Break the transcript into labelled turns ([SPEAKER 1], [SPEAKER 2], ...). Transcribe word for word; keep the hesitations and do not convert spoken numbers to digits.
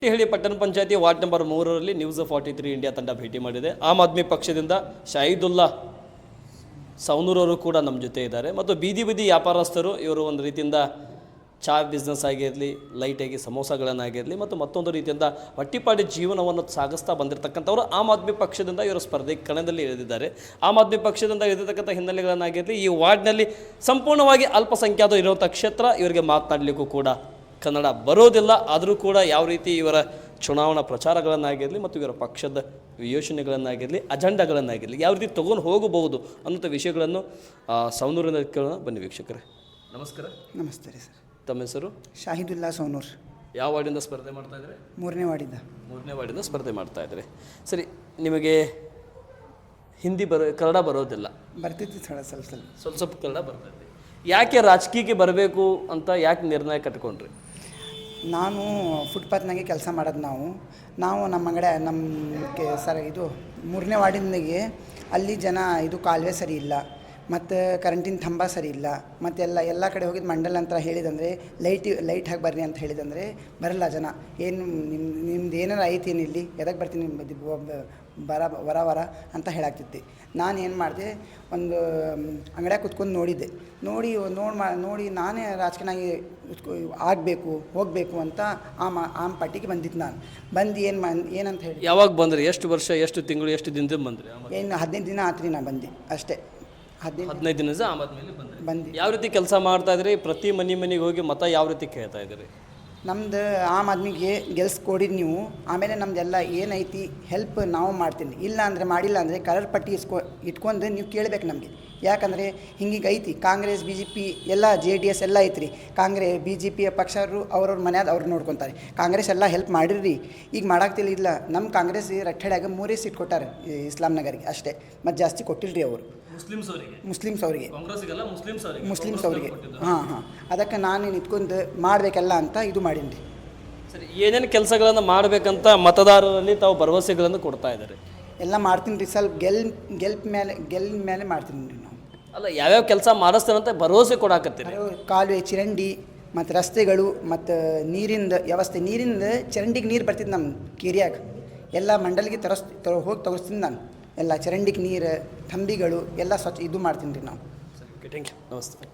[SPEAKER 1] ಹೇಳಿ ಪಟ್ಟಣ ಪಂಚಾಯತಿ ವಾರ್ಡ್ ನಂಬರ್ ಮೂರರಲ್ಲಿ ನ್ಯೂಸ್ ಫಾರ್ಟಿ ತ್ರೀ ಇಂಡಿಯಾ ತಂಡ ಭೇಟಿ ಮಾಡಿದೆ. ಆಮ್ ಆದ್ಮಿ ಪಕ್ಷದಿಂದ ಶಾಹಿದುಲ್ಲಾ ಸೌನೂರವರು ಕೂಡ ನಮ್ಮ ಜೊತೆ ಇದ್ದಾರೆ ಮತ್ತು ಬೀದಿ ಬೀದಿ ವ್ಯಾಪಾರಸ್ಥರು ಇವರು ಒಂದು ರೀತಿಯಿಂದ ಚಾ ಬಿಸ್ನೆಸ್ ಆಗಿರಲಿ, ಲೈಟಾಗಿ ಸಮೋಸಗಳನ್ನಾಗಿರಲಿ ಮತ್ತು ಮತ್ತೊಂದು ರೀತಿಯಿಂದ ಹೊಟ್ಟಿಪಾಡಿ ಜೀವನವನ್ನು ಸಾಗಿಸ್ತಾ ಬಂದಿರತಕ್ಕಂಥವ್ರು ಆಮ್ ಆದ್ಮಿ ಪಕ್ಷದಿಂದ ಇವರು ಸ್ಪರ್ಧೆ ಕಣದಲ್ಲಿ ಇಳಿದಿದ್ದಾರೆ. ಆಮ್ ಆದ್ಮಿ ಪಕ್ಷದಿಂದ ಇಳಿದಿರ್ತಕ್ಕಂಥ ಹಿನ್ನೆಲೆಗಳನ್ನಾಗಿರಲಿ, ಈ ವಾರ್ಡ್ನಲ್ಲಿ ಸಂಪೂರ್ಣವಾಗಿ ಅಲ್ಪಸಂಖ್ಯಾತ ಇರುವಂಥ ಕ್ಷೇತ್ರ, ಇವರಿಗೆ ಮಾತನಾಡಲಿಕ್ಕೂ ಕೂಡ ಕನ್ನಡ ಬರೋದಿಲ್ಲ. ಆದರೂ ಕೂಡ ಯಾವ ರೀತಿ ಇವರ ಚುನಾವಣಾ ಪ್ರಚಾರಗಳನ್ನಾಗಿರಲಿ ಮತ್ತು ಇವರ ಪಕ್ಷದ ಯೋಜನೆಗಳನ್ನಾಗಿರಲಿ, ಅಜೆಂಡಾಗಳನ್ನಾಗಿರಲಿ ಯಾವ ರೀತಿ ತೊಗೊಂಡು ಹೋಗಬಹುದು ಅನ್ನೋಂಥ ವಿಷಯಗಳನ್ನು ಸೌನೂರಿನ ಕೇಳೋಣ. ಬನ್ನಿ ವೀಕ್ಷಕರೇ. ನಮಸ್ಕಾರ.
[SPEAKER 2] ನಮಸ್ತೆ ರೀ ಸರ್.
[SPEAKER 1] ತಮ್ಮ ಹೆಸರು?
[SPEAKER 2] ಶಾಹಿದುಲ್ಲಾ ಸೌನೂರ್.
[SPEAKER 1] ಯಾವ ವಾರ್ಡಿಂದ ಸ್ಪರ್ಧೆ ಮಾಡ್ತಾ ಇದ್ದಾರೆ?
[SPEAKER 2] ಮೂರನೇ ವಾರ್ಡಿಂದ.
[SPEAKER 1] ಮೂರನೇ ವಾರ್ಡಿಂದ ಸ್ಪರ್ಧೆ ಮಾಡ್ತಾ ಇದ್ದಾರೆ. ಸರಿ, ನಿಮಗೆ ಹಿಂದಿ ಬರೋ ಕನ್ನಡ ಬರೋದಿಲ್ಲ?
[SPEAKER 2] ಬರ್ತಿತ್ತು ಸಳ ಸ್ವಲ್ಪ ಸ್ವಲ್ಪ
[SPEAKER 1] ಸ್ವಲ್ಪ ಸ್ವಲ್ಪ ಕನ್ನಡ ಬರ್ತೈತಿ. ಯಾಕೆ ರಾಜಕೀಯಕ್ಕೆ ಬರಬೇಕು ಅಂತ ಯಾಕೆ ನಿರ್ಣಯ ಕಟ್ಕೊಂಡ್ರಿ?
[SPEAKER 2] ನಾನು ಫುಟ್ಪಾತ್ನಾಗೆ ಕೆಲಸ ಮಾಡೋದು. ನಾವು ನಾವು ನಮ್ಮ ಅಂಗಡಿ ನಮ್ಮ ಕೆ ಸರ್ ಇದು ಮೂರನೇ ವಾರ್ಡಿನಾಗೆ ಅಲ್ಲಿ ಜನ ಇದು ಕಾಲುವೆ ಸರಿ ಇಲ್ಲ, ಮತ್ತು ಕರೆಂಟಿನ ಕಂಬ ಸರಿ ಇಲ್ಲ, ಮತ್ತು ಎಲ್ಲ ಎಲ್ಲ ಕಡೆ ಹೋಗಿದ್ದು ಮಂಡಲ ಅಂತ ಹೇಳಿದಂದರೆ ಲೈಟ್ ಲೈಟ್ ಹಾಕಿ ಬರ್ರಿ ಅಂತ ಹೇಳಿದಂದರೆ ಬರಲ್ಲ ಜನ. ಏನು ನಿಮ್ಮ ನಿಮ್ದು ಏನಾರು ಐತೇನು ಇಲ್ಲಿ, ಎದಕ್ಕೆ ಬರ್ತೀನಿ ನಿಮ್ಮ ಬರ ವರ ವರ ಅಂತ ಹೇಳಾಗ್ತಿದ್ದೆ. ನಾನು ಏನು ಮಾಡಿದೆ, ಒಂದು ಅಂಗಡಿಯಾಗ ಕುತ್ಕೊಂಡು ನೋಡಿದ್ದೆ. ನೋಡಿ ನೋಡಿ ಮಾ ನೋಡಿ ನಾನೇ ರಾಜಕೀಯನಾಗಿ ಆಗಬೇಕು ಹೋಗಬೇಕು ಅಂತ ಆಮ ಆಮ್ ಪಾರ್ಟಿಗೆ ಬಂದಿದ್ದು. ನಾನು ಬಂದು ಏನು ಮಾ ಏನಂತ ಹೇಳಿ.
[SPEAKER 1] ಯಾವಾಗ ಬಂದ್ರಿ? ಎಷ್ಟು ವರ್ಷ, ಎಷ್ಟು ತಿಂಗಳು, ಎಷ್ಟು ದಿನದಿಂದ ಬಂದ್ರಿ?
[SPEAKER 2] ಏನು ಹದಿನೈದು ದಿನ ಆತ್ರಿ ನಾ ಬಂದೆ ಅಷ್ಟೇ. ಹದಿನೈದು
[SPEAKER 1] ಹದಿನೈದು ದಿನ ಆಮ್ ಆದ್ಮೇಲೆ ಬಂದ್ರಿ.
[SPEAKER 2] ಬಂದು
[SPEAKER 1] ಯಾವ ರೀತಿ ಕೆಲಸ ಮಾಡ್ತಾ ಇದ್ರಿ? ಪ್ರತಿ ಮನೆ ಮನೆಗೆ ಹೋಗಿ ಮತ ಯಾವ ರೀತಿ ಕೇಳ್ತಾ ಇದ್ರಿ?
[SPEAKER 2] ನಮ್ದು ಆಮ್ ಆದ್ಮಿಗೆ ಗೆಲ್ಸ್ಕೊಡಿರಿ ನೀವು, ಆಮೇಲೆ ನಮ್ದೆಲ್ಲ ಏನೈತಿ ಹೆಲ್ಪ್ ನಾವು ಮಾಡ್ತೀನಿ. ಇಲ್ಲ ಅಂದರೆ ಮಾಡಿಲ್ಲ ಅಂದರೆ ಕಲರ್ ಪಟ್ಟಿ ಇಸ್ಕೊ ಇಟ್ಕೊಂಡು ನೀವು ಕೇಳಬೇಕು ನಮಗೆ. ಯಾಕಂದರೆ ಹಿಂಗೀಗ ಐತಿ ಕಾಂಗ್ರೆಸ್ ಬಿ ಜೆ ಪಿ ಎಲ್ಲ ಜೆ ಡಿ ಎಸ್ ಎಲ್ಲ ಐತ್ರಿ. ಕಾಂಗ್ರೆ ಬಿ ಜೆ ಪಿಯ ಪಕ್ಷರು ಅವ್ರವ್ರ ಮನ್ಯಾದ ಅವ್ರು ನೋಡ್ಕೊತಾರೆ. ಕಾಂಗ್ರೆಸ್ ಎಲ್ಲ ಹೆಲ್ಪ್ ಮಾಡಿರಿ, ಈಗ ಮಾಡಾಕ್ತಿಲ್ಲ. ಇಲ್ಲ, ನಮ್ಮ ಕಾಂಗ್ರೆಸ್ ರಟ್ಟೆಡ್ಯಾಗ ಮೂರೇ ಸೀಟ್ ಕೊಟ್ಟಾರೆ ಇಸ್ಲಾಂ ನಗರಿಗೆ ಅಷ್ಟೇ, ಮತ್ತು ಜಾಸ್ತಿ ಕೊಟ್ಟಿಲ್ರಿ ಅವರು ಮುಸ್ಲಿಮ್ಸ್ ಅವರಿಗೆ ಮುಸ್ಲಿಮ್ಸ್ ಅವರಿಗೆ ಮುಸ್ಲಿಮ್ಸ್ ಅವರಿಗೆ ಹಾಂ ಹಾಂ ಅದಕ್ಕೆ ನಾನು ನಿಂತ್ಕೊಂಡು ಮಾಡಬೇಕಲ್ಲ ಅಂತ ಇದು ಮಾಡೀನಿ ರೀ.
[SPEAKER 1] ಸರಿ, ಏನೇನು ಕೆಲಸಗಳನ್ನು ಮಾಡಬೇಕಂತ ಮತದಾರರಲ್ಲಿ ತಾವು ಭರವಸೆಗಳನ್ನು ಕೊಡ್ತಾ ಇದ್ದಾರೆ?
[SPEAKER 2] ಎಲ್ಲ ಮಾಡ್ತೀನಿ ರೀ. ಸ್ವಲ್ಪ ಗೆಲ್ ಗೆಲ್ಪ್ ಮೇಲೆ ಗೆಲ್ ಮೇಲೆ ಮಾಡ್ತೀನಿ ರೀ ನಾವು.
[SPEAKER 1] ಅಲ್ಲ, ಯಾವ್ಯಾವ ಕೆಲಸ ಮಾಡಿಸ್ತಾರಂತ ಭರವಸೆ ಕೊಡಾಕತ್ತೀರಿ?
[SPEAKER 2] ಕಾಲುವೆ, ಚರಂಡಿ ಮತ್ತು ರಸ್ತೆಗಳು ಮತ್ತು ನೀರಿಂದ ವ್ಯವಸ್ಥೆ. ನೀರಿಂದ ಚರಂಡಿಗೆ ನೀರು ಬರ್ತಿದ್ದು ನಮ್ಮ ಕೇರಿಯಾಗ ಎಲ್ಲ ಮಂಡಲಿಗೆ ತರಸ್ ತರ ಹೋಗಿ ತಗೋಸ್ತೀನಿ ನಾನು. ಎಲ್ಲ ಚರಂಡಿಗೆ ನೀರು, ತಂಬಿಗಳು ಎಲ್ಲ ಸ್ವಚ್ಛ ಇದು ಮಾಡ್ತೀನಿ ರೀ ನಾವು.
[SPEAKER 1] Thank you. ನಮಸ್ತೆ.